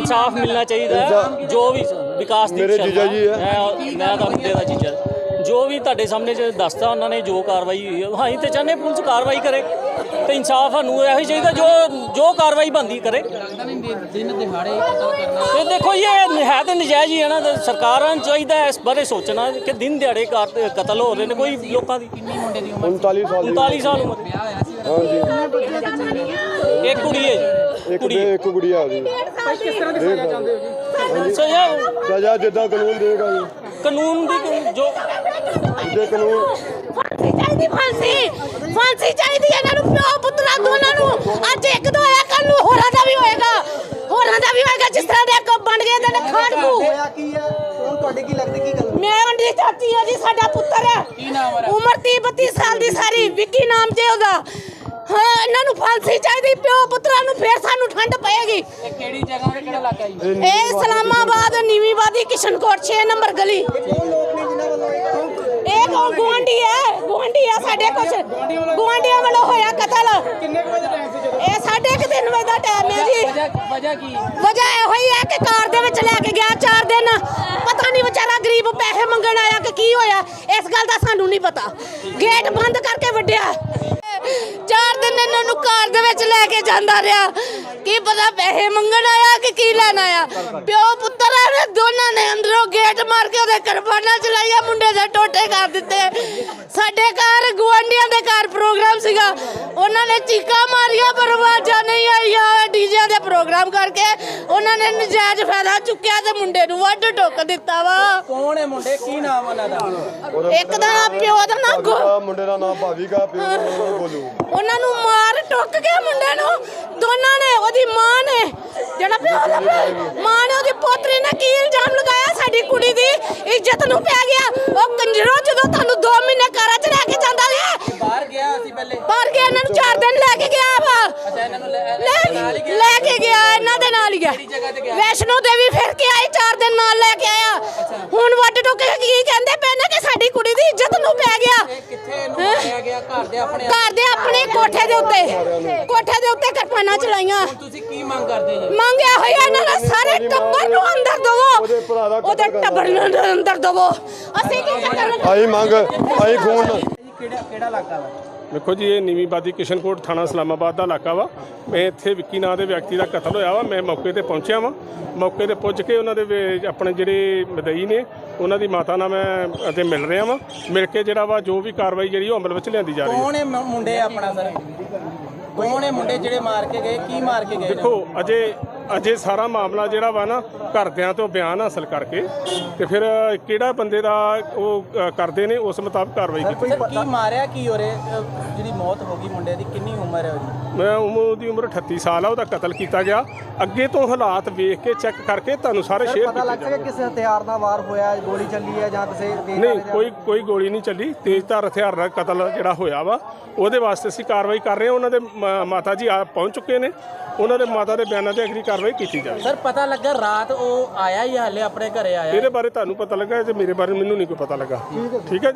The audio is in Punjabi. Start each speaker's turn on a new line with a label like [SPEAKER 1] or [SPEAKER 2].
[SPEAKER 1] इंसाफ मिलना चाहिए। जो भी विकास
[SPEAKER 2] मेरे जीजा जी है,
[SPEAKER 1] मैं तो मुंडे का जीजा, जो भी ਤੁਹਾਡੇ ਸਾਹਮਣੇ ਚ ਦੱਸਤਾ ਉਹਨਾਂ ਨੇ ਜੋ ਕਾਰਵਾਈ ਹੋਈ ਹੈ, ਅਸੀਂ ਤੇ ਚਾਹੁੰਦੇ ਪੁਲਿਸ ਕਾਰਵਾਈ ਕਰੇ ਤੇ ਇਨਸਾਫ ਸਾਨੂੰ ਇਹੋ ਹੀ ਚਾਹੀਦਾ ਜੋ ਕਾਰਵਾਈ ਬਣਦੀ ਕਰੇ। ਤੇ ਦੇਖੋ ਇਹ ਹੈ ਤਾਂ ਨਜਾਇਜ਼ ਹੀ ਹੈ ਨਾ, ਸਰਕਾਰਾਂ ਨੂੰ ਚਾਹੀਦਾ ਇਸ ਬਾਰੇ ਸੋਚਣਾ ਕਿ ਦਿਨ ਦਿਹਾੜੇ ਕਤਲ ਹੋ ਰਹੇ ਨੇ। ਕੋਈ ਲੋਕਾਂ ਦੀ 39 ਸਾਲ ਉਮਰ। ਇੱਕ ਕੁੜੀ ਹੈ ਜੀ,
[SPEAKER 2] ਇੱਕ ਗੁੜੀਆ ਜੀ।
[SPEAKER 3] ਕਿਸ ਤਰ੍ਹਾਂ ਦੀ ਸਜ਼ਾ ਚਾਹੁੰਦੇ ਹੋ ਜੀ?
[SPEAKER 2] ਸਜ਼ਾ ਜਿੱਦਾਂ ਕਾਨੂੰਨ ਦੇਗਾ ਜੀ,
[SPEAKER 1] ਕਾਨੂੰਨ ਦੀ ਜੋ
[SPEAKER 2] ਕਾਨੂੰਨ
[SPEAKER 4] ਫਾਂਸੀ ਚਾਹੀਦੀ ਹੈ ਇਹਨਾਂ ਨੂੰ, ਪਿਓ ਪੁੱਤਰਾਂ ਦੋਨਾਂ ਨੂੰ। ਅੱਜ ਇੱਕ ਦਾ ਹੋਇਆ, ਕੱਲ ਨੂੰ ਹੋਰਾਂ ਦਾ ਵੀ ਹੋਏਗਾ, ਜਿਸ ਤਰ੍ਹਾਂ ਦੇ ਬਣ ਗਏ ਨੇ ਖਾੜਕੂ।
[SPEAKER 3] ਹੋਇਆ ਕੀ ਹੈ ਹੁਣ ਤੁਹਾਡੇ ਕੀ ਲੱਗਦਾ ਕੀ ਗੱਲ?
[SPEAKER 4] ਮੈਂ ਉਹਦੀ ਚਾਚੀ ਹਾਂ ਜੀ, ਸਾਡਾ ਪੁੱਤਰ ਹੈ, ਉਮਰ 30-32 ਸਾਲ ਦੀ ਸਾਰੀ, ਵਿੱਕੀ ਨਾਮ ਜੇ ਉਹਦਾ। ਹਾਂ ਇਹਨਾਂ ਨੂੰ ਫਾਂਸੀ ਚਾਹੀਦੀ, ਪਿਓ ਪੁੱਤਰਾਂ ਨੂੰ, ਫੇਰ ਸਾਨੂੰ ਠੰਡ ਪਏਗੀ।
[SPEAKER 3] ਇਹ ਕਿਹੜੀ ਜਗ੍ਹਾ ਤੇ ਕਿਹੜਾ ਇਲਾਕਾ ਜੀ?
[SPEAKER 4] ਇਹ ਇਸਲਾਮਾਬਾਦ ਨੀਵੀਂਵਾਦੀ ਕਿਸ਼ਨਕੋਟ 6 ਨੰਬਰ ਗਲੀ।
[SPEAKER 3] ਕੌਣ ਲੋਕ ਨੇ ਜਿਨ੍ਹਾਂ ਵੱਲੋਂ
[SPEAKER 4] ਇਹ ਗੁਆਂਢੀ ਹੈ ਸਾਡੇ, ਕੁਛ ਗੁਆਂਢੀਆਂ ਵੱਲੋਂ ਹੋਇਆ ਕਤਲ।
[SPEAKER 3] ਕਿੰਨੇ ਕੁ ਵਜੇ ਟਾਈਮ ਸੀ ਜਦੋਂ?
[SPEAKER 4] ਇਹ 3:30 ਵਜੇ ਦਾ ਟਾਈਮ ਹੈ ਜੀ।
[SPEAKER 3] ਵਜ੍ਹਾ ਕੀ?
[SPEAKER 4] ਵਜ੍ਹਾ ਇਹੋ ਹੀ ਹੈ ਕਿ ਕਾਰ ਦੇ ਵਿੱਚ ਲੈ ਕੇ ਗਿਆ 4 ਦਿਨ, ਪਤਾ ਨਹੀਂ ਵਿਚਾਰਾ ਗਰੀਬ ਪੈਸੇ ਮੰਗਣ ਆਇਆ ਕਿ ਕੀ ਹੋਇਆ, ਇਸ ਗੱਲ ਦਾ ਸਾਨੂੰ ਨਹੀਂ ਪਤਾ। ਗੇਟ ਬੰਦ ਕਰਕੇ ਵੱਢਿਆ। 4 ਦਿਨ ਇਹਨਾਂ ਨੂੰ ਕਾਰ ਦੇ ਵਿੱਚ ਲੈ ਕੇ ਜਾਂਦਾ ਰਿਹਾ, ਕੀ ਪਤਾ ਪੈਸੇ ਮੰਗਣ ਆਇਆ ਕਿ ਕੀ ਲੈਣ ਆਇਆ। ਪਿਓ ਪੁੱਤਰਾਂ ਨੇ ਦੋਨਾਂ ਨੇ ਅੰਦਰੋਂ ਗੇਟ ਮਾਰ ਕੇ ਉਹਦੇ ਕਿਰਪਾਨਾਂ ਚਲਾਈਆਂ, ਮੁੰਡੇ ਦੇ ਟੋਟੇ ਕਰ ਦਿੱਤੇ। ਸਾਡੇ ਘਰ ਗੁਆਂਢੀਆਂ ਦੇ ਘਰ ਪ੍ਰੋਗਰਾਮ ਸੀਗਾ, ਉਹਨਾਂ ਨੇ ਚੀਕਾਂ ਮਾਰੀਆਂ ਪਰ ਆਵਾਜ਼ਾਂ ਨਹੀਂ ਆਈਆਂ। ਡੀਜੇ ਦੇ ਪ੍ਰੋਗਰਾਮ ਕਰਕੇ ਉਹਨਾਂ ਨੇ ਨਜਾਇਜ਼ ਫਾਇਦਾ ਚੁੱਕਿਆ ਤੇ ਮੁੰਡੇ ਨੂੰ ਵੱਢ ਟੁੱਕ ਦਿੱਤਾ ਵਾ।
[SPEAKER 3] ਕੌਣ ਹੈ ਮੁੰਡੇ, ਕੀ ਨਾਮ ਉਹਨਾਂ ਦਾ?
[SPEAKER 4] ਇੱਕ ਦਾ ਪਿਓ ਦਾ ਨਾਮ
[SPEAKER 2] ਮੁੰਡੇ ਦਾ ਨਾਮ ਭਾਵੀਗਾ, ਪਿਓ ਦਾ ਨਾਮ ਗੋਲੂ।
[SPEAKER 4] ਉਹਨਾਂ ਨੂੰ ਮਾਰ ਟੁੱਕ ਕੇ ਮੁੰਡੇ ਨੂੰ ਦੋਨਾਂ ਨੇ, ਉਹਦੀ ਮਾਂ ਨੇ, ਜਿਹੜਾ ਪਿਓ ਦਾ ਮਾਂ ਨੇ ਉਹਦੀ ਪੋਤਰੀ ਨੇ ਕੀ ਇਲਜ਼ਾਮ ਲਗਾਇਆ, ਸਾਡੀ ਕੁੜੀ ਦੀ ਇੱਜ਼ਤ ਨੂੰ ਪੈ ਗਿਆ। ਉਹ ਕੰਜਰੋ ਜਦੋਂ ਤੁਹਾਨੂੰ 2 ਮਹੀਨੇ ਘਰਾਂ 'ਚ ਰਹਿ ਕੇ ਜਾਂਦਾ ਰਿਹਾ,
[SPEAKER 3] ਬਾਹਰ ਗਿਆ ਸੀ ਪਹਿਲੇ?
[SPEAKER 4] ਬਾਹਰ ਗਿਆ, ਇਹਨਾਂ ਨੂੰ 4 ਦਿਨ ਲੈ ਕੇ ਗਿਆ ਵਾ।
[SPEAKER 3] ਅੱਛਾ, ਇਹਨਾਂ ਨੂੰ
[SPEAKER 4] ਲੈ ਕੇ ਗਿਆ, ਇਹਨਾਂ ਦੇ ਨਾਲ ਹੀ ਗਿਆ।
[SPEAKER 3] ਜਗ੍ਹਾ ਤੇ ਗਿਆ?
[SPEAKER 4] ਵੈਸ਼ਨੋ ਦੇਵੀ ਫਿਰ ਕੇ ਆਏ, 4 ਦਿਨ ਨਾਲ ਲੈ ਕੇ ਆਇਆ। ਹੁਣ ਵੱਢ ਟੁੱਕ ਕੇ ਕੀ ਕਹਿੰਦੇ ਪਏ ਨੇ ਕਿ ਸਾਡੀ ਕੁੜੀ ਦੀ ਇੱਜ਼ਤ ਨੂੰ ਪੈ ਗਿਆ।
[SPEAKER 3] ਕਿੱਥੇ ਇਹਨੂੰ ਮਾਰਿਆ ਗਿਆ?
[SPEAKER 4] ਘਰ ਦੇ ਆਪਣੇ ਕੋਠੇ ਦੇ ਉੱਤੇ ਕਿਰਪਾਨਾਂ ਚਲਾਈਆਂ।
[SPEAKER 3] ਤੁਸੀਂ ਕੀ ਮੰਗ ਕਰਦੇ ਜੀ?
[SPEAKER 4] ਮੰਗਿਆ ਹੋਇਆ ਇਹਨਾਂ ਦਾ ਸਾਰੇ ਟੱਬਰ ਨੂੰ ਅੰਦਰ ਦਵੋ, ਉਹਦੇ ਟੱਬਰ ਨੂੰ ਅੰਦਰ ਦਵੋ। ਅਸੀਂ ਕੀ ਕਰਨਾ?
[SPEAKER 2] ਆਈ ਮੰਗ ਆਈ ਖੂਨ।
[SPEAKER 3] ਕਿਹੜਾ ਇਲਾਕਾ ਵਾ?
[SPEAKER 5] ਦੇਖੋ ਜੀ, ਇਹ ਨੀਵੀਂਵਾਦੀ ਕਿਸ਼ਨਕੋਟ ਥਾਣਾ ਇਸਲਾਮਾਬਾਦ ਦਾ ਇਲਾਕਾ ਵਾ। ਮੈਂ ਇੱਥੇ ਵਿੱਕੀ ਨਾਂ ਦੇ ਵਿਅਕਤੀ ਦਾ ਕਤਲ ਹੋਇਆ ਵਾ, ਮੈਂ ਮੌਕੇ ਤੇ ਪਹੁੰਚਿਆ ਵਾਂ। ਮੌਕੇ ਤੇ ਪੁੱਜ ਕੇ ਉਹਨਾਂ ਦੇ ਆਪਣੇ ਜਿਹੜੇ ਮਦਈ ਨੇ ਉਹਨਾਂ ਦੀ ਮਾਤਾ ਨਾਲ ਮੈਂ ਅਤੇ ਮਿਲ ਰਿਹਾ ਵਾਂ। ਮਿਲ ਕੇ ਜਿਹੜਾ ਵਾ ਜੋ ਵੀ ਕਾਰਵਾਈ ਜਿਹੜੀ ਉਹ ਅਮਲ ਵਿੱਚ ਲਿਆਂਦੀ ਜਾ ਰਹੀ ਹੈ।
[SPEAKER 3] ਕੌਣ ਹੈ ਮੁੰਡੇ ਆਪਣਾ ਸਰ? ਕੌਣ ਹੈ ਮੁੰਡੇ ਜਿਹੜੇ ਮਾਰ ਕੇ ਗਏ? ਕੀ ਮਾਰ ਕੇ ਗਏ?
[SPEAKER 5] ਦੇਖੋ ਅਜੇ ਸਾਰਾ ਮਾਮਲਾ ਜਿਹੜਾ ਵਾ ਨਾ ਘਰਦਿਆਂ ਤੋਂ ਬਿਆਨ ਹਾਸਲ ਕਰਕੇ ਤੇ ਫਿਰ ਕਿਹੜਾ ਬੰਦੇ ਦਾ ਉਹ ਕਰਦੇ ਨੇ ਉਸ ਮੁਤਾਬਕ ਕਾਰਵਾਈ ਕੀਤੀ।
[SPEAKER 3] ਸਰ ਕੀ ਮਾਰਿਆ ਕੀ ਹੋ ਰਿਹਾ? ਜਿਹੜੀ ਮੌਤ ਹੋ ਗਈ ਮੁੰਡੇ ਦੀ, ਕਿੰਨੀ ਉਮਰ ਹੈ ਉਹਦੀ?
[SPEAKER 5] ਉਹਦੀ ਉਮਰ 38 ਸਾਲ ਆ। ਉਹਦਾ ਕਤਲ ਕੀਤਾ ਗਿਆ। ਅੱਗੇ ਤੋਂ ਹਾਲਾਤ ਵੇਖ ਕੇ ਚੈੱਕ ਕਰਕੇ ਤੁਹਾਨੂੰ ਸਾਰੇ ਸ਼ੇਅਰ
[SPEAKER 3] ਪਤਾ ਲੱਗ ਸਕਿਆ ਕਿਸੇ ਹਥਿਆਰ ਨਾਲ ਵਾਰ ਹੋਇਆ, ਗੋਲੀ ਚੱਲੀ ਹੈ ਜਾਂ ਕਿਸੇ
[SPEAKER 5] ਨਹੀਂ, ਕੋਈ ਗੋਲੀ ਨਹੀਂ ਚੱਲੀ। ਤੇਜ਼ਧਾਰ ਹਥਿਆਰ ਨਾਲ ਕਤਲ ਜਿਹੜਾ ਹੋਇਆ ਵਾ ਉਹਦੇ ਵਾਸਤੇ ਅਸੀਂ ਕਾਰਵਾਈ ਕਰ ਰਹੇ ਹਾਂ। ਉਹਨਾਂ ਦੇ ਮਾਤਾ ਜੀ ਆ ਪਹੁੰਚ ਚੁੱਕੇ ਨੇ, ਉਹਨਾਂ ਦੇ ਮਾਤਾ ਦੇ ਬਿਆਨਾਂ ਤੇ ਅਗਲੀ ਕਾਰਵਾਈ ਕੀਤੀ ਜਾਵੇ।
[SPEAKER 3] ਸਰ ਪਤਾ ਲੱਗਾ ਰਾਤ ਉਹ ਆਇਆ ਹੀ ਹਾਲੇ ਆਪਣੇ ਘਰੇ ਆਇਆ?
[SPEAKER 5] ਇਹਦੇ ਬਾਰੇ ਤੁਹਾਨੂੰ ਪਤਾ ਲੱਗਾ, ਤੇ ਮੇਰੇ ਬਾਰੇ ਮੈਨੂੰ ਨਹੀਂ ਕੋਈ ਪਤਾ ਲੱਗਾ। ਠੀਕ ਹੈ।